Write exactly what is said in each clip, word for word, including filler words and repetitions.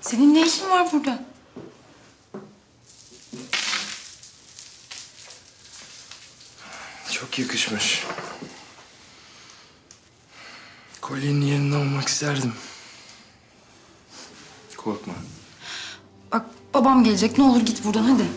Senin ne işin var burada? Çok yakışmış. Kolyenin yerinde olmak isterdim. Korkma. Bak babam gelecek. Ne olur git buradan hadi.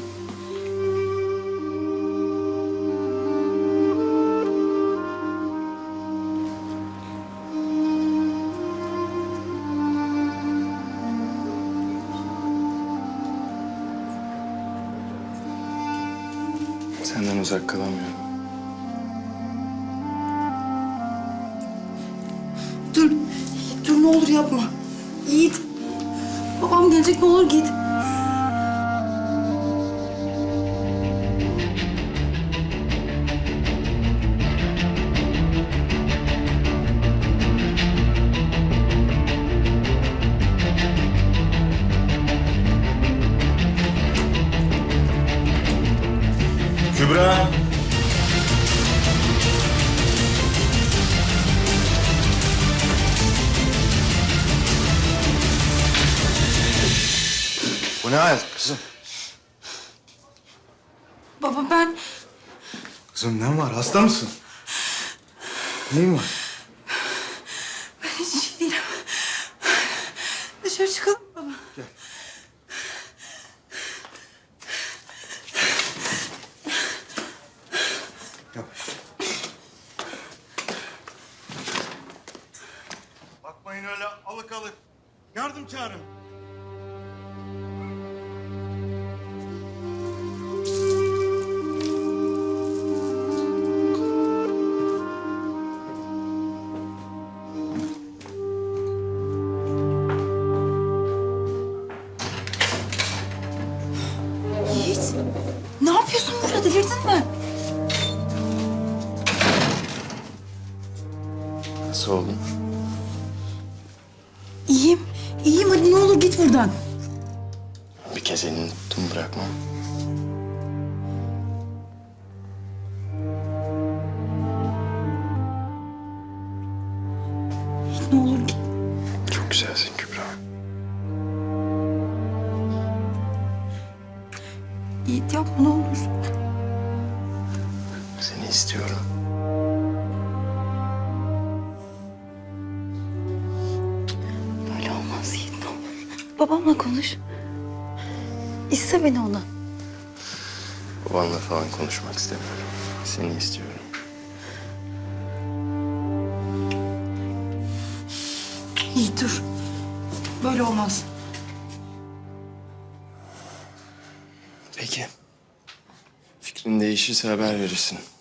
Senden uzak kalamıyorum. Dur. Dur ne olur yapma. Yiğit. Babam gelecek ne olur git. Kübra! Bu ne hal kızım? Baba ben Kızım ne var? Hasta mısın? Neyin var? ben hiç şey değilim. Dışarı çıkalım baba. Gel. Yavaş. Bakmayın öyle alık alık. Yardım çağırın. Yiğit. Ne yapıyorsun burada? Delirdin mi? Nasıl oldun? İyiyim. İyiyim. Hadi ne olur git buradan. Bir kez elini tuttum bırakmam. Yiğit ne olur git. Çok güzelsin Kübra. Yiğit yapma ne olur. Seni istiyorum. Böyle olmaz Yiğit ne olur. Babamla konuş. İste beni ona. Babanla falan konuşmak istemiyorum. Seni istiyorum. Yiğit dur. Böyle olmaz. Peki. Fikrin değişirse haber verirsin.